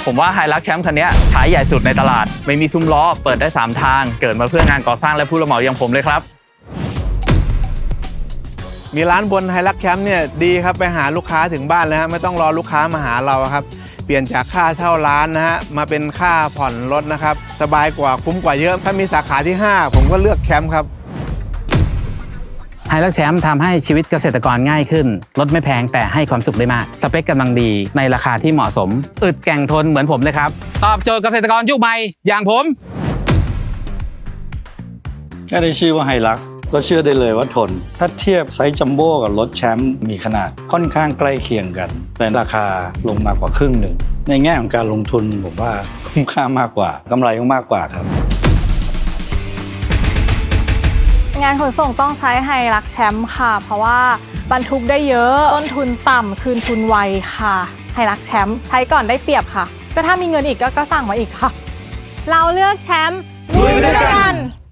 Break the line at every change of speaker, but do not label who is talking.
ผมว่าไฮลักแชมป์คันนี้ขายใหญ่สุดในตลาดไม่มีซุ้มล้อเปิดได้3ทางเกิดมาเพื่องานก่อสร้างและผู้รับเหมาอย่างผมเลยครับ
มีร้านบนไฮลักแคมป์เนี่ยดีครับไปหาลูกค้าถึงบ้านเลยฮะไม่ต้องรอลูกค้ามาหาเราครับเปลี่ยนจากค่าเช่าร้านนะฮะมาเป็นค่าผ่อนรถนะครับสบายกว่าคุ้มกว่าเยอะถ้ามีสาขาที่ 5 ผมก็เลือกแคมป์ครับ
ไฮลักแชมป์ทำให้ชีวิตเกษตรกรง่ายขึ้นรถไม่แพงแต่ให้ความสุขได้มากสเปคกำลังดีในราคาที่เหมาะสมอึดแกร่งทนเหมือนผมเลยครับตอบโจทย์เกษตรกรยุคใหม่อย่างผม
แค่ได้ชื่อว่าไฮลักซ์ก็เชื่อได้เลยว่าทนถ้าเทียบไซส์จัมโบ้กับรถแชมป์มีขนาดค่อนข้างใกล้เคียงกันแต่ราคาลงมากว่าครึ่งหนึ่งในแง่ของการลงทุนผมว่าคุ้มค่ามากกว่ากำไรก็มากกว่าครับ
งานขนส่งต้องใช้ไฮลักแชมป์ค่ะเพราะว่าบรรทุกได้เยอะต้นทุนต่ำคืนทุนไวค่ะไฮลักแชมป์ใช้ก่อนได้เปรียบค่ะก็ถ้ามีเงินอีกก็สั่งมาอีกค่ะเราเลือกแชมป์ลุยไปด้วยกัน